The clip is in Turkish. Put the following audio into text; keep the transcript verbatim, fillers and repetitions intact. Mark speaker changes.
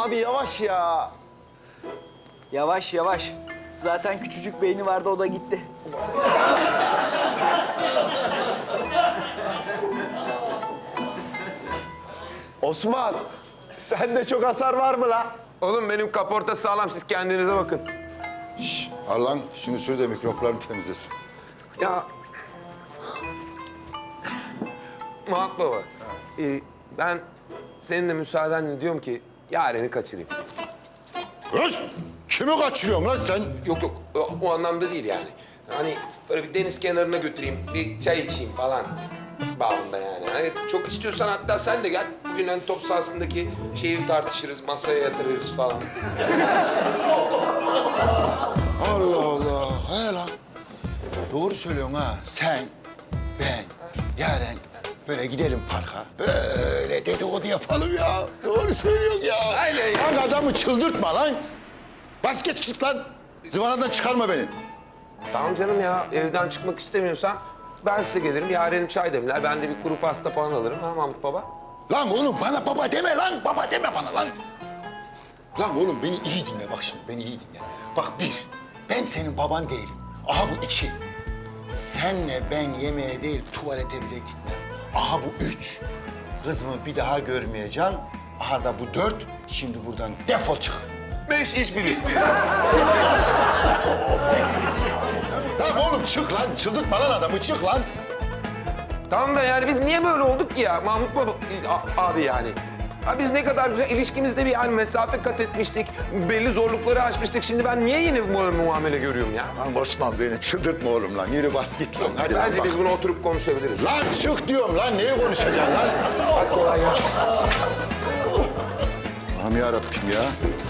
Speaker 1: Abi yavaş ya.
Speaker 2: Yavaş yavaş. Zaten küçücük beyni vardı, o da gitti.
Speaker 1: Osman, sende çok hasar var mı la?
Speaker 3: Oğlum benim kaporta sağlam, siz kendinize bakın.
Speaker 4: Şş, al lan şunu sür de mikroplarını temizlesin.
Speaker 3: Ya... Muhat Baba, e, ben senin de müsaadenle diyorum ki Yaren'i kaçırayım.
Speaker 4: Öz! Kimi kaçırıyorsun lan sen?
Speaker 3: Yok yok, o, o anlamda değil yani. Hani böyle bir deniz kenarına götüreyim, bir çay içeyim falan bağında yani. Hani çok istiyorsan hatta sen de gel. Bugün hani top sahasındaki şeyi tartışırız, masaya yatırırız falan.
Speaker 4: Allah Allah. He lan. Doğru söylüyorsun ha. Sen, ben, Yaren böyle gidelim parka. Böyle dedikodu yapalım ya. Doğru söylüyorsun ya.
Speaker 3: Aynen ya.
Speaker 4: Lan adamı çıldırtma lan. Bas geç çık lan. Zıvanadan çıkarma beni.
Speaker 3: Tamam canım ya, evden çıkmak istemiyorsan ben size gelirim. Yaren'im çay demler, ben de bir kuru pasta falan alırım. Ha Mahmut Baba?
Speaker 4: Lan oğlum bana baba deme lan. Baba deme bana lan. Lan oğlum beni iyi dinle bak şimdi. Beni iyi dinle. Bak bir, ben senin baban değilim. Aha bu iki. Senle ben yemeğe değil tuvalete bile gitmem. Aha bu üç. Kızımı bir daha görmeyeceğim. Aha da bu dört. Şimdi buradan defol çık.
Speaker 3: Beş iş bilir.
Speaker 4: Lan oğlum çık lan. Çıldırtma lan adamı. Çık lan.
Speaker 3: Tamam da yani biz niye böyle olduk ki ya Mahmut Baba a- abi yani? Ha biz ne kadar güzel ilişkimizde bir yani mesafe kat etmiştik, belli zorlukları aşmıştık. Şimdi ben niye yeni bu muamele görüyorum ya?
Speaker 4: Lan Osman beni çıldırtma oğlum lan. Yürü bas git lan. Hadi lan
Speaker 3: Bence
Speaker 4: bak.
Speaker 3: biz bunu oturup konuşabiliriz.
Speaker 4: Lan çık diyorum lan. Neyi konuşacaksın lan?
Speaker 3: Hadi kolay gelsin.
Speaker 4: Allah'ım yarabbim ya.